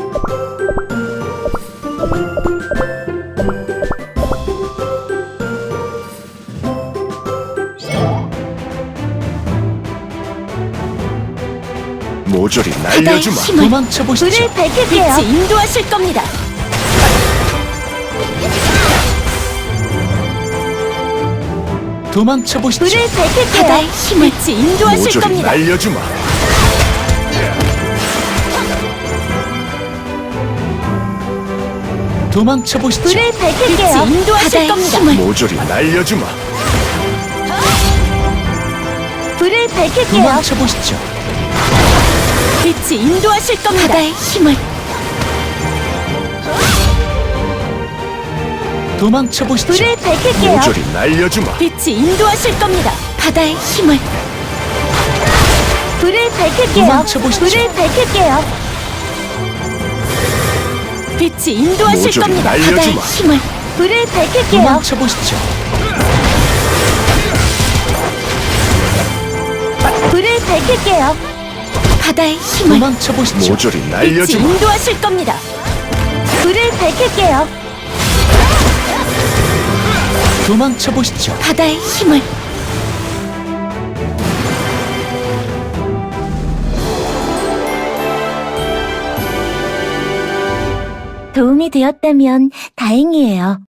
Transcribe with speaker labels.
Speaker 1: 모조리 날려주마.
Speaker 2: 도망쳐 보시죠.
Speaker 3: 불을 밝힐게요.
Speaker 2: 빛이 인도하실 겁니다. 도망쳐 보시죠.
Speaker 3: 불을 밝힐게요.
Speaker 2: 바다의 힘을 빛이 인도하실
Speaker 1: 모조리
Speaker 2: 겁니다.
Speaker 1: 날려주마.
Speaker 2: 도망쳐 보시죠.
Speaker 3: 불을 밝힐게요.
Speaker 2: 빛이 인도하실
Speaker 3: 바다의
Speaker 2: 겁니다.
Speaker 3: 힘을.
Speaker 1: 모조리 날려주마.
Speaker 3: 불을 밝힐게요.
Speaker 2: 도망쳐 보시죠. 빛이 인도하실 겁니다.
Speaker 3: 바다의 힘을.
Speaker 2: 도망쳐 보시죠.
Speaker 3: 불을 밝힐게요.
Speaker 1: 모조리 날려주마.
Speaker 2: 빛이 인도하실 겁니다.
Speaker 3: 바다의 힘을. 불을 밝힐게요.
Speaker 2: 도망쳐 보시죠.
Speaker 3: 불을 밝힐게요.
Speaker 2: 빛이 인도하실
Speaker 1: 모조리
Speaker 2: 겁니다.
Speaker 1: 날려주마.
Speaker 3: 바다의 힘을. 불을 밝힐게요.
Speaker 2: 도망쳐 보시죠.
Speaker 3: 불을 밝힐게요. 바다의 힘을.
Speaker 2: 도망쳐 보시죠.
Speaker 1: 모조리
Speaker 2: 빛이
Speaker 1: 날려주마.
Speaker 2: 인도하실 겁니다.
Speaker 3: 불을 밝힐게요.
Speaker 2: 도망쳐 보시죠.
Speaker 3: 바다의 힘을. 도움이 되었다면 다행이에요.